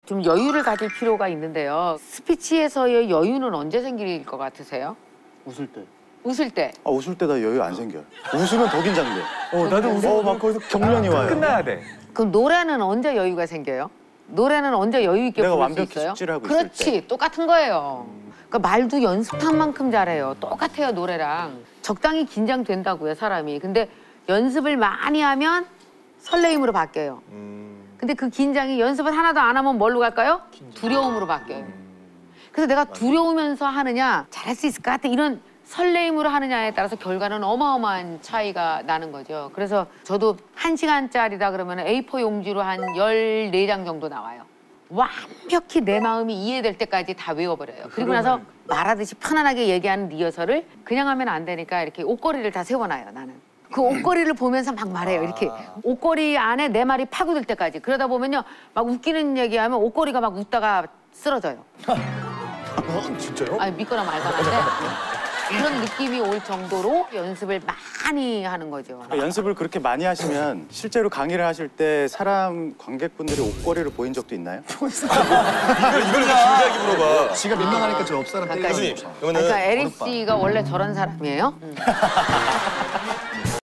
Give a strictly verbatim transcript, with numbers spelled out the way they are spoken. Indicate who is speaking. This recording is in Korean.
Speaker 1: 좀 여유를 가질 필요가 있는데요. 스피치에서의 여유는 언제 생길 것 같으세요?
Speaker 2: 웃을 때.
Speaker 1: 웃을 때.
Speaker 2: 아, 웃을 때 나 여유 안 생겨요. 웃으면 더 긴장돼.
Speaker 3: 어, 나도 웃어.
Speaker 2: 어, 막 거기서 경련이 와요.
Speaker 3: 끝나야 돼.
Speaker 1: 그럼 노래는 언제 여유가 생겨요? 노래는 언제 여유 있게
Speaker 2: 내가
Speaker 1: 부를 수
Speaker 2: 완벽히
Speaker 1: 있어요?
Speaker 2: 숙지를 하고 있을
Speaker 1: 그렇지, 똑같은 거예요. 그러니까 말도 연습한 만큼 잘해요. 똑같아요, 노래랑. 적당히 긴장된다고요, 사람이. 근데 연습을 많이 하면 설레임으로 바뀌어요. 근데 그 긴장이 연습을 하나도 안 하면 뭘로 갈까요? 두려움으로 바뀌어요. 그래서 내가 두려우면서 하느냐, 잘할 수 있을 것 같아, 이런 설레임으로 하느냐에 따라서 결과는 어마어마한 차이가 나는 거죠. 그래서 저도 한 시간짜리다 그러면 에이 사 용지로 한 열네 장 정도 나와요. 완벽히 내 마음이 이해될 때까지 다 외워버려요. 그리고 나서 말하듯이 편안하게 얘기하는 리허설을 그냥 하면 안 되니까 이렇게 옷걸이를 다 세워놔요, 나는. 그 옷걸이를 보면서 막 말해요, 이렇게. 옷걸이 안에 내 말이 파고들 때까지. 그러다 보면요, 막 웃기는 얘기하면 옷걸이가 막 웃다가 쓰러져요.
Speaker 3: 어, 진짜요?
Speaker 1: 아니, 믿거나 말거나 한데 그런 느낌이 올 정도로 연습을 많이 하는 거죠.
Speaker 2: 그러니까 연습을 그렇게 많이 하시면 실제로 강의를 하실 때 사람 관객분들이 옷걸이를 보인 적도 있나요?
Speaker 3: 이걸 이걸 왜 진지하게 물어봐.
Speaker 4: 지가 민망하니까 저 옆사람 때리는
Speaker 1: 그러니까,
Speaker 3: 교수님, 그러면은
Speaker 1: 그러니까 에릭 씨가 원래 저런 사람이에요?